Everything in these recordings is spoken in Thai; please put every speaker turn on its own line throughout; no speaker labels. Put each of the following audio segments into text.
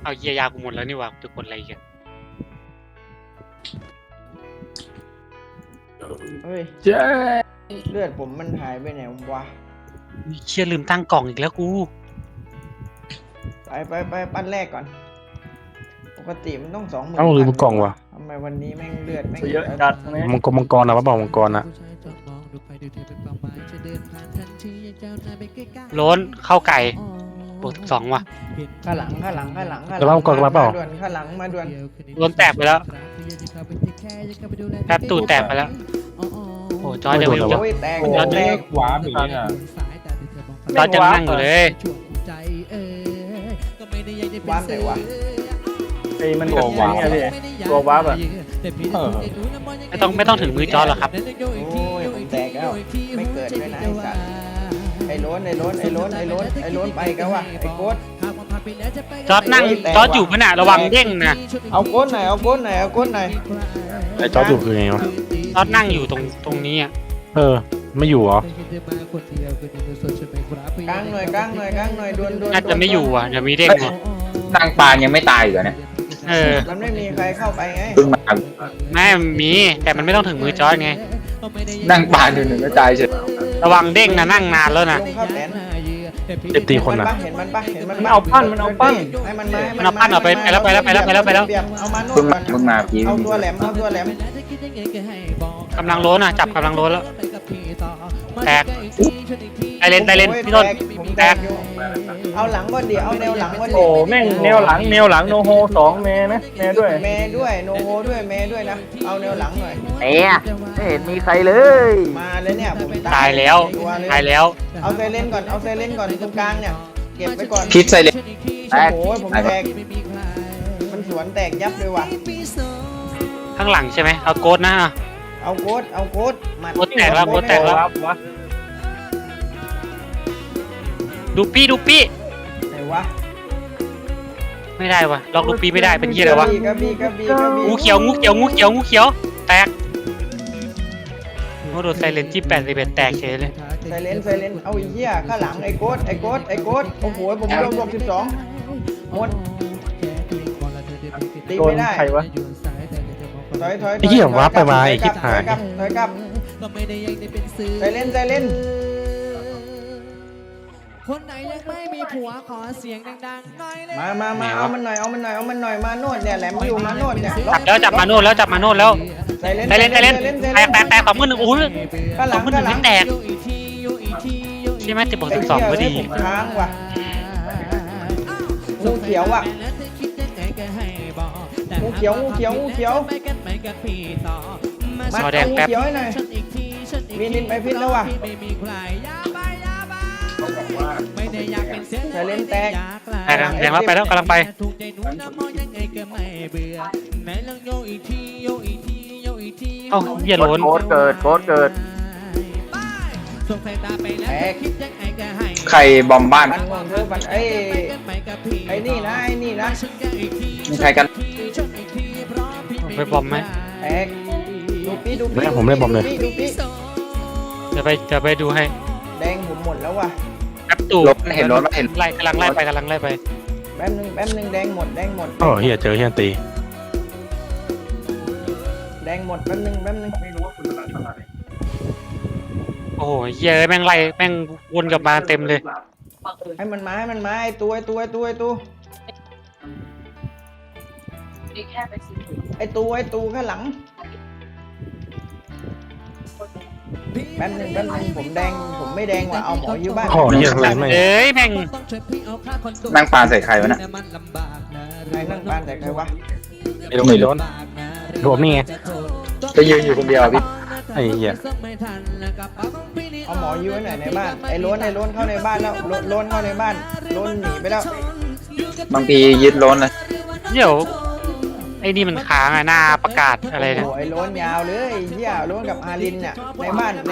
เอาเยียยากูหมดแล้วนี่หว่าจะกดอะไรกัน
เฮ้ย
เจ้
เลือดผมมันหายไปไหนวะ
เชี่ยลืมตั้งกล่องอีกแล้วกู
ไปปั้นแรกก่อน ปกติมันต้อง20,000
เอ้าลืมกล่องว่ะ
ทำไมวันนี้แม่งเลือดแม่ง
เยอะจัดตรงนี้
มังกรนะวะบอกมังกรนะ
โล้นเข้าไก่บวก12ว่ะ
ข้างหลัง
แล้วมังกรมาเปล่า
ด่วนข้างหลังมาด่วน
โล้นแตกไปแล้วแป๊บตูดแตกไปแล้วโอ้จอยเดี๋ยวไปดู
โอ้ยแตก
โอ้
แตก
ขวาหมีอ่ะ
จอยจะนั่งอยู่เลย
วางไหนวะ
ไอ้มันตัววาร์ปเนี่ยพี่ตัววาร์ปอ่ะ
ไม่ต้องถึงมือจอยหรอกครับ
โอ้ยผมแตกแล้วไม่เกิดด้วยนะไอ้สัตว์ไอ้โล้นไปกันวะไอ้โค้ด
จอดนั่งจอดอยู่ขณะระวังเด้งนะ
เอาโค้ดหน่อย
ไอ้จอร์จอยู่คือไงวะ
จอดนั่งอยู่ตรงนี้อ่ะ
เออไม่อยู่เหรอก
ลางหน่อยด่วน
น่าจะไม่อยู่อ่ะเดี๋ยวมีเด้งอ่ะ
ตั้งปานยังไม่ตายอยู่นะ
เออ
มันไม่มีใครเข้าไปไง
เพิ่งมา
แม่มีแต่มันไม่ต้องถึงมือจอดไง
นั่งปานอยู่หนึ่งก็ตายเฉย
ระวังเด้งนะนั่งนานแล้วนะ
ลงเข้าแสน
เจ็บตีคนนะ
เห็นมันปะ
มันเอาปั้น
ให้มันมา
มันเอาปั้นออกไปแล้วเอามาโน่
เพิ่ง
น
มาเพิ่งมาพี่
เอาตัวแหลม
กำลังโล้นอ่ะจับกำลังโล้นแล้วแตกไอเลนพี่ต้น
ผม
แตก
อยู่เอาหลังก่อนดิเอาแนวหลังก่อนดิ
โอ้แม่งแนวหลังโนโฮ2 เมนะแม่ด้วย
เมย์ด้วยโนโฮด้วยเมย์ด้วยนะเอาแนวหลังหน่อย
เนี่ยไม่เห็นมีใครเลย
มาเลยเนี่ยผม
ตายแล้ว
ตัวเลย
ตายแล้ว
เอาเซเลนก่อนตรงกลางเนี่ยเก็บไปก่อน
พิษใส่เลย
โอ้โหผมแตกมันสวนแตกยับเลยว่ะ
ข้างหลังใช่ไหมเอาโกดนะ
เอาโค้ดหมัด
โค้ดแตกแล้วโค้ดแตกแล้ว
วาร์ปวะ
ดูปี้
ไหนวะ
ไม่ได้วะล็อกดูปี้ไม่ได้เป็นยี่อะไรวะ
กระบี่
งูเขียวแตกโอ้โดนไซเลนที่81แตกเฉยเลย
ไซเลนเอาไอ้เหี้ยข้างหลังไอ้โค้ดโอ้โหผมโดนบวก12หมดตี
โดน
ไม่ได้
ใครวะ
ถอย
ไอ้เหี้ยวาร์ปไปมาไอ้คลิปหาย
ถอยกลับไซเลน
คนไหนยังไม่มีผัวขอเสียงดังๆหน่อยเลย
มาเอามันหน่อยมาโนดเนี่ยแหลมอยู่มาโนดเนี่ย
จับมาโน่นแล้ว
ไซเลน
แตก21,000โอ้ย
ข้างหลัง
21,000ไม่แตกใช่ไหมติดบวก12ก็ดี
ผมค้างว่ะงูเขียวว่ะงูเขียวมา
จอแดงแป๊บ
งูเขียวให้หน่อยมีนินไปพิษแล้วว่ะไซเลนแตก
แดงแล้วไปแล้วกำลังไป เอ้าเหี้ยโล้น
โคตรเกิด
แตก
ใครบอมบ้าน
มันงงเธอมันไอ้นี่นะ
มีใครกัน
ไปบอมไหม
แตกดูปี
ไม่ผมไม่บอมเลย
ดูปี
จะไปดูให้
แดงผมหมดแล้วว่ะ
แป๊บตู่
รถเห็นรถไหมเห็น
กำลังไล่ไป
แป๊บนึงแดงหมด
โอ้เฮียเจอเฮียตี
แดงหมดแป๊บนึง
โอ้โหเหี้ยแม่งไล่แม่งวนกลับมาเต็มเลย
ให้มันมาไอ้ตัวไอ้ตูข้างหลังแป๊บนึงผมแดงผมไม่แดงว่ะเอาหมออยู่บ้าน
โอ้เฮียอะไรไม่
เอ้ยแม่ง
นั่งปานใส่ใครวะน่ะ
ใครนั่งบ้านแต่ใครวะ
ไอ้โดนไม่โดนรวมนี่ไง
จะยืนอยู่คนเดียวพี่
ไอ้เหี้ย
เอาหมออยู่ไว้ไหนในบ้านไอ้โล้นเข้าในบ้านแล้วโล้นเข้าในบ้านโล้นหนีไปแล้ว
บางทียึดล้นเลย
เดี๋ยวไอ้นี่มันค้างอะหน้าประกาศอะไร
โอ้
นะ
โหไอ้โล้นยาวเลยไอ้เหี้ยโล้นกับอารินเนี่ยในบ้าน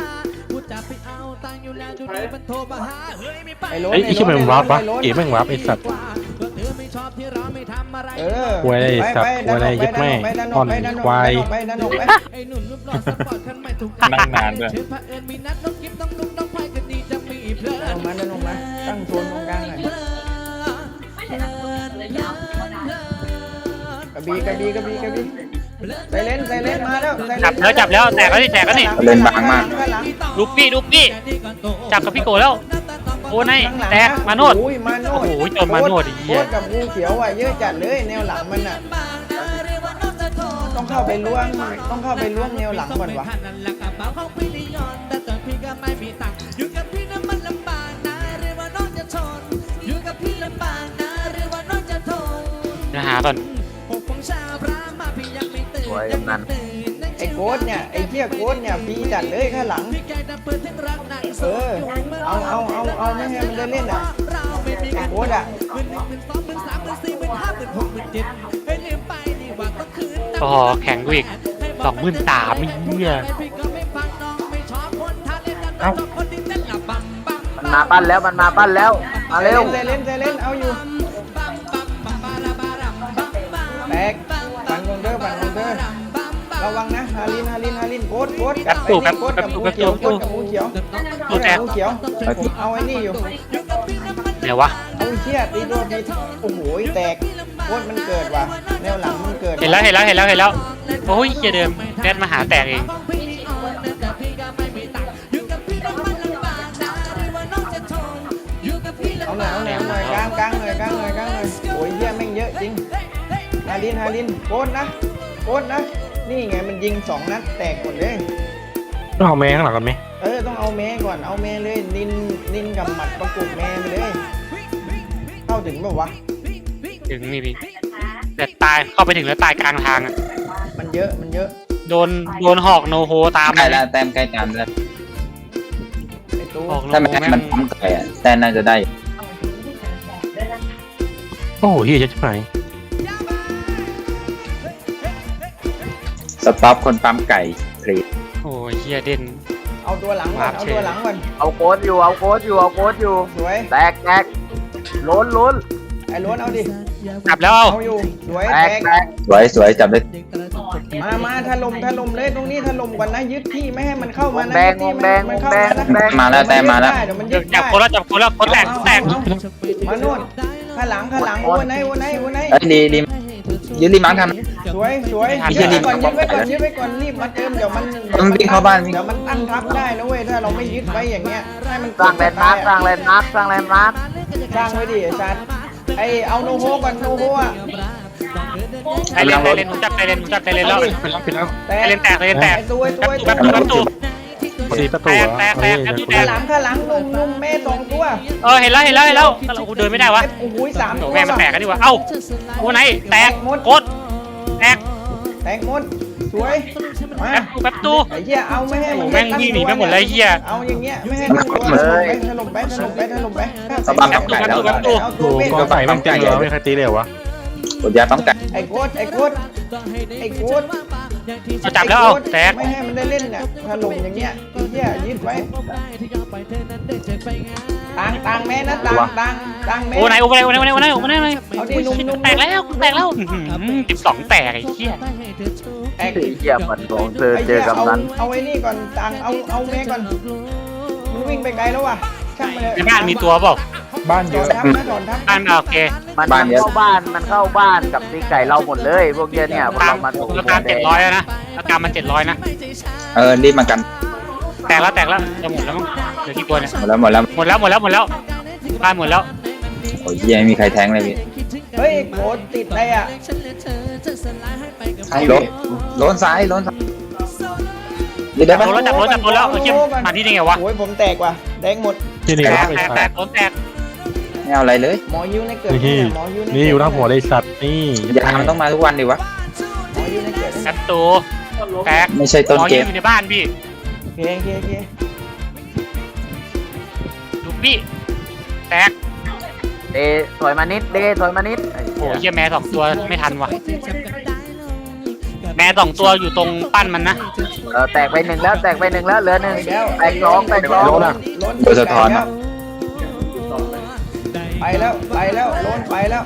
ไอ้โล้น
ไอ้ที่มันวาร์ปวะเอ๋แม่งวาร์ปไอ้สัตว์
เออ
ควายอะไรสัตว์ควายอะไรยัดแม่อ่อนควาย
ไปดันออกไป
นั่งนานด้วย
ดันออกมาตั้งโซนตรงกลางหน่อยกระบี่กระบี่กระบี่กระบี่ไซเลนมาแล้ว
จับแล้วแตกแล้วนี่แตกแล้วนี่
เล่นบางมาก
ข้างหลัง
ลูกพี่จับกับพี่โกแล้วโอ้ยแตกมาโนด
โอ้ยมาโนด
โอ้โหจนมาโนดไอ้เหี้
โค
ย
ตรกับงูเขียวอ่ะเยอะจัดเลยแนวหลังมันอ่ะต้องเข้าไปล้วงแนวหลังก่อนวะ
จะหาก่อน
สวยกำนัน
ไอ้โค้ดเนี่ยไอ้เหี้ยโค้ดเนี่ยฟรีจัดเลยข้างหลังเอาไม่ให้มันได้เล่นอ่ะไอ้โค้ดอ่ะ
อ๋อแข่งกูอีก23,000ไอ้เหี้ย
เอ้า
มันมาปั้นแล้วมันมาปั้นแล้วมาเร็ว
ไซเลนเอาอยู่แตกปั่นคงเด้อระวังนะฮารินโค้ดกับงูเขียวเอาไอ้นี่อยู่
เดี๋ยววะ
เอาเชี่ยตีตัวผิดโอ้โหแตกโค้ดมันเกิดว่ะแนวหลังมันเกิด
เห็นแล้วโอ้ยเหี้ยเดิมแนทมาหาแตกเอง
เอาหน่อยกลางหน่อยโอ้ยเหี้ยแม่งเยอะจริงฮารินโค้ดนะนี่ไงมันยิง2 นัดแตกหมดเลย
ต้องเอาแม่ข้างหลังกันไหม
ต้องเอาแม่ก่อนเอาแม่เลยนินกับหมัดประกบแม่ไปเลยเข้าถึงแบบวะ
ถึงนี่พี่แต่ตายเข้าไปถึงแล้วตายกลางทางอ่ะ
มันเยอะ
โดนหอกโนโฮตาม
ใกล้แล้วแต้มใกล้ตามแล้ว
ไอ้ตู้
หอกโน
ถ้า
โฮ
ไม่ให้
แม่
มัน
ง
พร้อมไก่อะแต้มน่าจะได้
โอ้โหเฮียจะไปไหน
สต็อปคนปั๊มไก่พลี
โอ้ยเหี้ยเด่น
เอาตัวหลังก่อน
เอาโค้ดอยู่
สวย
แตกล้น
ไอ้ล้วนเอาดิ
จับแล้วเอา
เอาอยู่สวย
แต
แต
ก
ก
สวยถ
มาถล่มเลยตรงนี้ถล่มก่อนนะยึดที่ไม่ให้มันเข้ามานะ
แดง
ยึดที่มันเข้ามานะ
มาแล้วแต้มมาแล้ว
เดี๋ยวมันยึด
จับคนแล้วคนแตก
มาโน่นข้างหลังโอ้ไหน
เอ้ยดียืนรีมาร์คท
สวยยึดไว้ก่อนรีบมาเติมเดี๋ยวมัน
ำมันวิ่งเข้าบ้านวิ่ง
เดี๋ยวมันตั้งทับได้นะเว้ยถ้าเราไม่ยึดไว้อย่างเงี้ยให้มัน
สร้างแลนด์มาร์คสร้างแลนด์มาร์ค
สร้างไว้ดิไอ้สัตว์ไอเอาโนโฮก่อนโนโฮอ่ะ
ไอเลนผมจับไอเลนแล้ว
ไปแล้ว
แต่
ไอเลนแตก
ไอ้ตัว
ประตู
สี่ประตูเหรอ
แตก
เฮ้ย
ข้างหลังนุ่มแม่2 ตัว
เห็นแล้วกูเดินไม่ได้วะ
โอ้โห3 ตัว
แม่มันแตกกันดีกว่าเอ้าโอ้ไหนแตกโคตรแตก
แตกหมดสวยมา
แป๊บตู
ไอ้เหี้ยเอาไม่ให้
โอ้แม่งวิ่งหนีไปหมดเลยเหี้ย
เอาอย่างเงี้ยไม่ให้มันตัวถล่มไป
เข้าบ้านปั๊มไก่แล้ว
โอ้โหกองใส่บ้างจังเหรอไม่ใครตีเลยเหรอวะ
กดยาปั๊มไก่
ไอ้โคตร
จับแล้วเอาแตก
ไม่ให้มันได้เล่นเนี่ยถล่มอย่างเงี้ยไอ้เหี้ยยึดไว้ต่างแม่นะต่างแม่
โอ้ไหนเอาดินุ่ม แตกแล้ว12แตกไอ้เหี้ย
แตก
เหี้ยมันของเธอเจอกำนัน
เอาไอ้นี่ก่อนต่างเอาแม่ก่อนมันวิ่งไปไกลแล้วว่ะช่างมันเลย
ในบ้านมีตัวเปล่า
บ้านเยอะ
ถอนทับ
บ้านโอเค
มันเข้าบ้านกับตีไก่เราหมดเลยพวกเนี้ยเนี่ยพวก
ตาม
เรามาถูก
ราคา700แล้วนะราคามัน700นะ
รีบมากัน
แตกแล้วจะหมดแล้วมั้งเหลือกี่ตัวเนี่ย
หมดแล้ว
บ้านหมดแล้ว
โอ้ยยังไม่มีใครแทงเลยพี่
เฮ้ยโคตรติดอะไรอ่ะ
ล้นซ้ายยืนได้ปะ
จับรถแล้วเชี่ยมาที่นี่ไงวะ
โอ้ยผมแตกว่ะแดงหมด
ที่นี่รับไอ้สั
แต
ต
ก
ว์
รถแตก
ไม่เอาอะไรเลย
หมอยูในเกิด
นี่
หมอยูใน
นี่อยู่หน้าหัวเลยสัตว์นี่
ยามันต้องมาทุกวันดิวะ
หมอยูในเกิด
แป๊บตูแตก
ไม่ใช่ต้นเกม
อยู่ในบ้านพี่
โอเค
ลูกพี่แตก
ถอยมานิด
โอ้ยเหี้ยแม่2ตัวไม่ทันว่ะแม่2ตัวอยู่ตรงปั้นมันนะ
แตกไปหนึ่งแล้วเหลือ1แตก2
ล้น
โดยสะท้อนอะ
ไปแล้วล้นไปแล้ว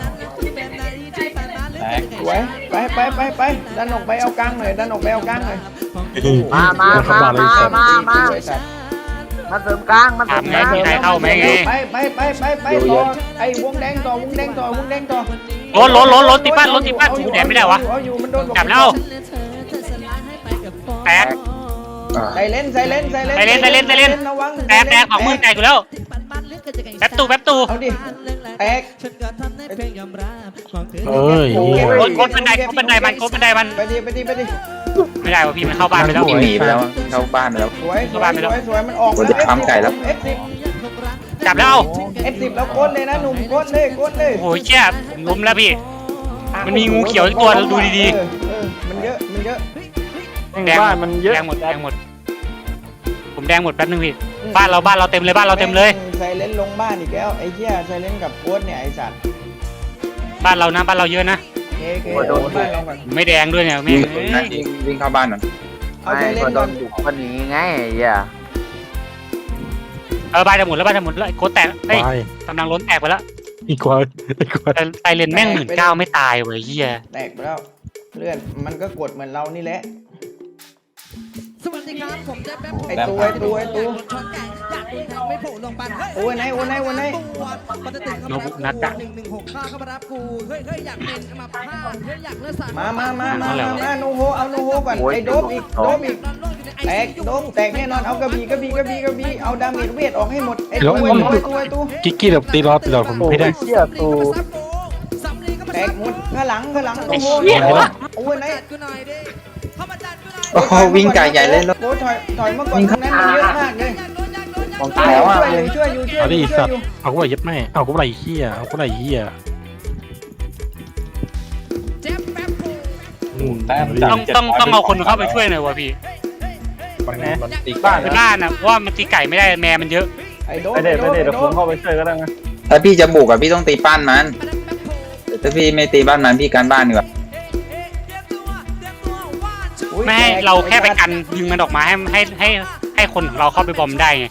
สวยไปดันออกไปเอากลางหน่อย
มา
เข้าบ้านเลยสัตว์
มาเสริมกลาง
ถามไงมีใครเข้าไหมไง
ไปต่อไอ้วงแดงต่อ
ล้นตีบ้านกูแดกไม่ได้วะ
เอาอยู่มันโดน
จับแล้ว แตก
ใส่เล่นระวัง
แตกของมึงแตกอยู่แล้วแป๊บตู
เอาดิแตก
เอ้ยเหี้ย
โคตรบันไดมัน
ไปดิ
ไม่ได้วะพี่มันเข้าบ้านไปแล้ว
พี่หนีไปแล้วเข้าบ้านไปแล้ว
สวยมันออก
ผมจะทำไก่แล้ว
F10
จับแล้ว
F10 แล้วโคตรเลยนะหนุ่มโคตรเลย
โอ้โหเชี่ยล้มแล้วพี่มันมีงูเขียวอีกตัวดูดี
มันเยอะ
ๆแดง
บ้านมันเยอะ
หมดผมแดงหมดแป๊บนึงพี่บ้านเราเต็มเลย
ไซเลนลงบ้านอีกแล้วไอ้เหี้ยไซเลนกับโค้ดเนี่ยไอ้สัตว์
บ้านเราเยอะนะ
เคโดนบ้านเราก่อน
ไม่แดงด้วยเนี่ย
วิ่งเข้าบ้านหน่อย
เอา
ไม่
ไซเล
ก็
น
โด
ก่อน
นบุกคนนี้ไงไอ้เหี้ย
บ้านจะหมดแล้วโคตรแตกเฮ้ย
ไป
กำลังล้นแตกไปแล้ว
อีกกว่า
แต่ไซเลนแม่ง19,000ไม่ตายเว้ยเฮีย
แตกไปแล้วเลื่อนมันก็กดเหมือนเรานี่แหละ
สวัสดีครับผมแจ๊บแป๊บ
ไอ้ตัว
ชนแก่อยากดูแทงไม่โผล่ลงปัน
โอ้ยไหน
มันจะถึง
โนบุนักอะ
116ข้าเข้ามารับกูเฮ้ยอยากเป็นมาพลาดเฮ้ยอยากเลือดสาด
มาโนโฮเอาโนโฮก่อนไอ้โดบอีกแตกแน่นอนเอากระบี่เอาดาเมจเวทออกให้หมดไอ้ตัว
กิ๊กกี้แบบตีรอดผม
โอ้
ไม่ได้
ยเชี่ยตู
แตกหมดข้างหลังโอ้โหโอ้ยไหน
กูหน่อยดิเข้ามาจัดกูหน่อย
โอ้โหวิ่งไก่ใหญ่เลยแล้ว
โอ้ถอยมาก่อนตรงนั้นมันเยอะมากเลย
ของแถวอ่ะ
ช่วยอยู่
เอาดิสัตว์เอากูไปยัดแม่เอากูไปเหี้ย
แจ๊บแป๊บกู
ต้องเอาคนเข้าไปช่วยหน่อยวะพี่
มันตีบ้าน
คือบ้านนะเพราะว่ามันตีไก่ไม่ได้แม่มันเยอะ
ไอ้โด
ไปเดี๋ยวผมเข้าไปช่วยก็ได้นะ
ถ้าพี่จะบุกอ่ะพี่ต้องตีบ้านมันถ้าพี่ไม่ตีบ้านมันพี่การบ้านดีกว่า
ไม่ให้เราแค่ไปกันยิงมันออกมาให้คนของเราเข้าไปบอมได้ไง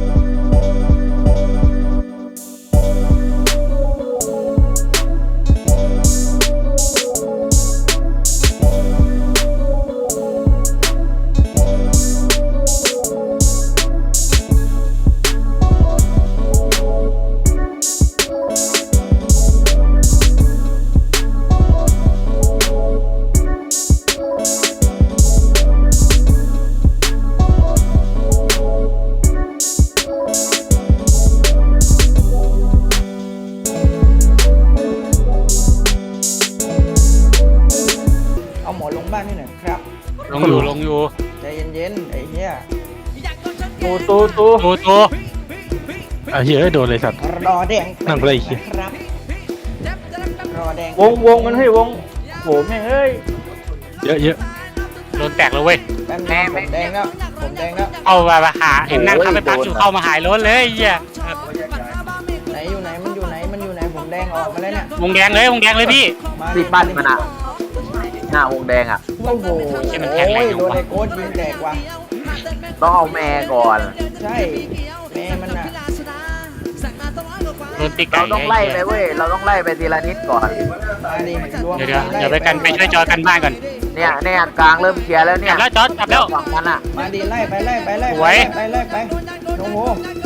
เอาหมอลงบ้านนี่หน่อยครับ
ลงอยู่
ใจเย็นๆไอ้เหี้ย
ตู
โต
อ่ะเหี้ยโดนเลยสัตว์
รอแดง
นั่งไปเลยอีกที
ครับรอแดง
วงมันให้วงโหแม่งเอ้ย
เยอะ
โดนแตกแล้วเว้ย
แป๊บนึงผมแดงแล้ว
เอามาหาเห็นนั่งทำไปพักอยู่เข้ามาหายล้นเลยเฮีย
ไหนอยู่ไหนมันอยู่ไหนผมแดงออกมาแล้วเนี่ยว
งแดงเลยพี่
มา
ติดบ้านมันอ่ะหน้าวงแดงอ่ะ
โอ้โห
ใช่มันแข็งแรงอยู่
โดน
วะ
ไอ้โค้ดยิงแตกว่ะ
ต้องเอาแม่ก่อน
ใช่แม่มันอ่ะ
โดนตีไก่
เราต้องไล่ไปเว้ยเราต้องไล่ไปทีละนิดก่อน
มาดิรวม
เดี๋ยวไปกันไปช่วยจอกันบ้านก่อน
เนี่ยกลางเริ่มเคลียร์แล้วเนี่
จั
ย
บแล้วจอจับแล้ว
ฝั่งมันอ่ะ
มาดิไล่ไป
สวย
ไปโนโฮ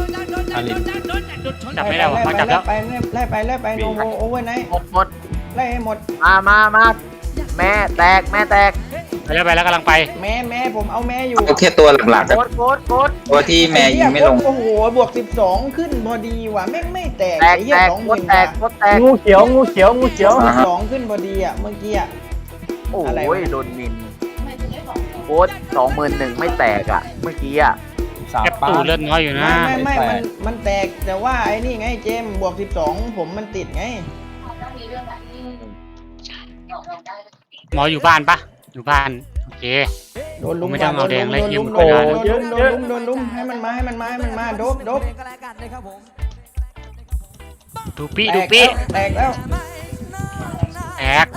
จับไม่ได้วะมาจับแล้ว
ไล่ไปโนโฮโอเวอร์ไนท์
หมด
ไล่ให้หมด
มาแม่แตก
ไปแล้วกำลังไป
แม่ผมเอาแม่อยู่
เอาแค่ตัวหลักๆ
โคตร
ตัวที่แม่ยิงไม่ลง
โอ้โหบวก12ขึ้นพอดีว่ะไม่แตก
แตก
ไอ้เหี้ย
โคตรแตก
งูเขียว
12ขึ้นพอดีอ่ะเมื่อกี้อ่ะ
โอ้
อะไร
ยว
ะ
โดนมินโคตร21,000ไม่แตกอ่ะเมื่อกี้อ่ะ
แคปตูเลือดน้อยอยู่นะ
ไม่มันแตกแต่ว่าไอ้นี่ไงเจมบวก12ผมมันติดไง
หมออยู่บ้านปะอยู่บ้านโอเค
โดนลุม
ไม่ต้องเอาแดงเลยเหี้ยมัน
โด
ก็
น
ได้
ลุมให้มันมาโดบ
ดูปี้
แตกแล้ว
แตก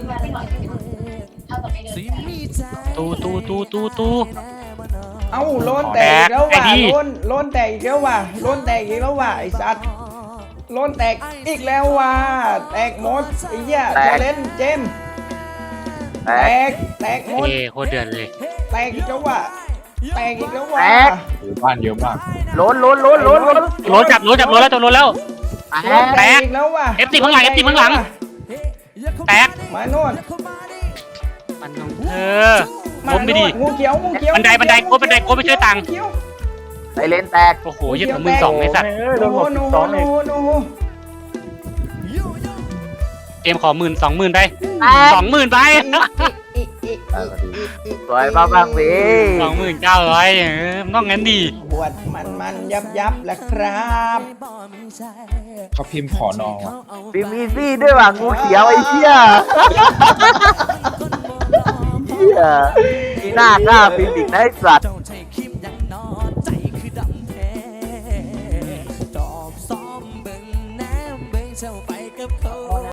ตู
เอ้าโลนแตกอีกแล้วว่ะโลนแตกอีกแล้วว่ะไอ้สัตว์โลนแตกอีกแล้วว่ะแตกหมดไอ้เหี้ยเล่นเจมแตกหมด
โคตรเดือดเลย
แตกอีกแล้วว่ะ
บ้านเยอะมาก
ล้น
โลจับแล้วจนโลแล้ว
แตก
อีกแล้วว่ะ
เอฟตีข้างหลังแตก
มาโน่น
มันของเธอล้มไม่ดี
งูเขียวงูเขียว
บันไดโค้ดไปช่วยตังค์
งูเขียว
ไซเลนแตก
โอ้โหเหี้ยของมึง2ไอ้สัตว์
โดนหมด
โน้โ
สองเอง
น้
เกมขอ10,000 20,000ไป
แตก
20,000ไป
สวยมากบ้างพี่
29,000มันต้องงั้นดี
บวดมันยับแหละครับ
เขาพิมพ์ขอนองว่ะ
ปีมีซี่ด้วยว่ะงูเขียวไอ้เหี้ยเหี้ยมีหน้ากล้าปีอีกนะไอ้สัตว์